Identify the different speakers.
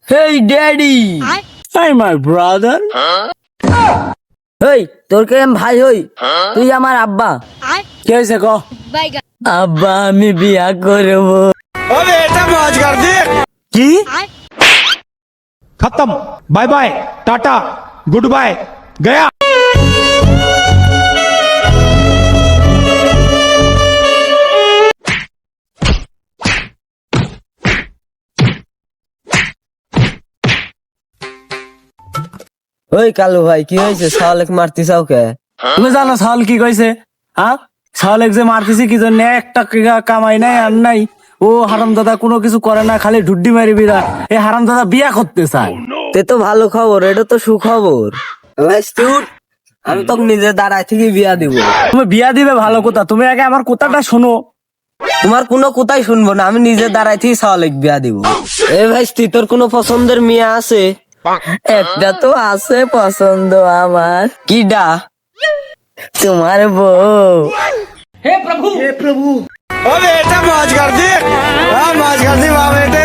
Speaker 1: Hey daddy,
Speaker 2: Hey, my brother.
Speaker 1: Hey তোর কে ভাই হই, তুই আমার আব্বা।
Speaker 2: কি হয়েছে ক?
Speaker 1: আব্বা আমি বিয়া করবো।
Speaker 2: কি?
Speaker 3: खत्म। Bye bye, tata, goodbye, गया।
Speaker 1: ওই কালু ভাই কি হয়েছে, শালাক মারতি চাও কে?
Speaker 2: তুমি জানো সাল কি কইছে? হ্যাঁ, সালেক যে মারতেছি কি জন্য? একটা কামাই নাই আর নাই। ও হারামদাদা কোনো কিছু করে না, খালি ঢুড্ডি মারি বিরা। এই হারামদাদা বিয়া করতে চায়।
Speaker 1: তে তো ভালো খবর, এটা তো সুখবর। ভাই তুই, আমি তোকে নিজে দাঁড়ায় থেকে বিয়া দিব।
Speaker 2: তুমি বিয়া দিবে ভালো কথা, তুমি আগে আমার কথাটা শোনো।
Speaker 1: তোমার কোনো কথাই শুনবো না, আমি নিজে দাঁড়ায় থেকে শালাক বিয়া দিব। এ ভাই তুই, তোর কোনো পছন্দের মেয়ে আছে? একটা তো আছে পছন্দ আমার। কিডা? তোমার বউ।
Speaker 2: ও বেটা মौज कर दी, हाँ मौज कर दी वाह बेटे।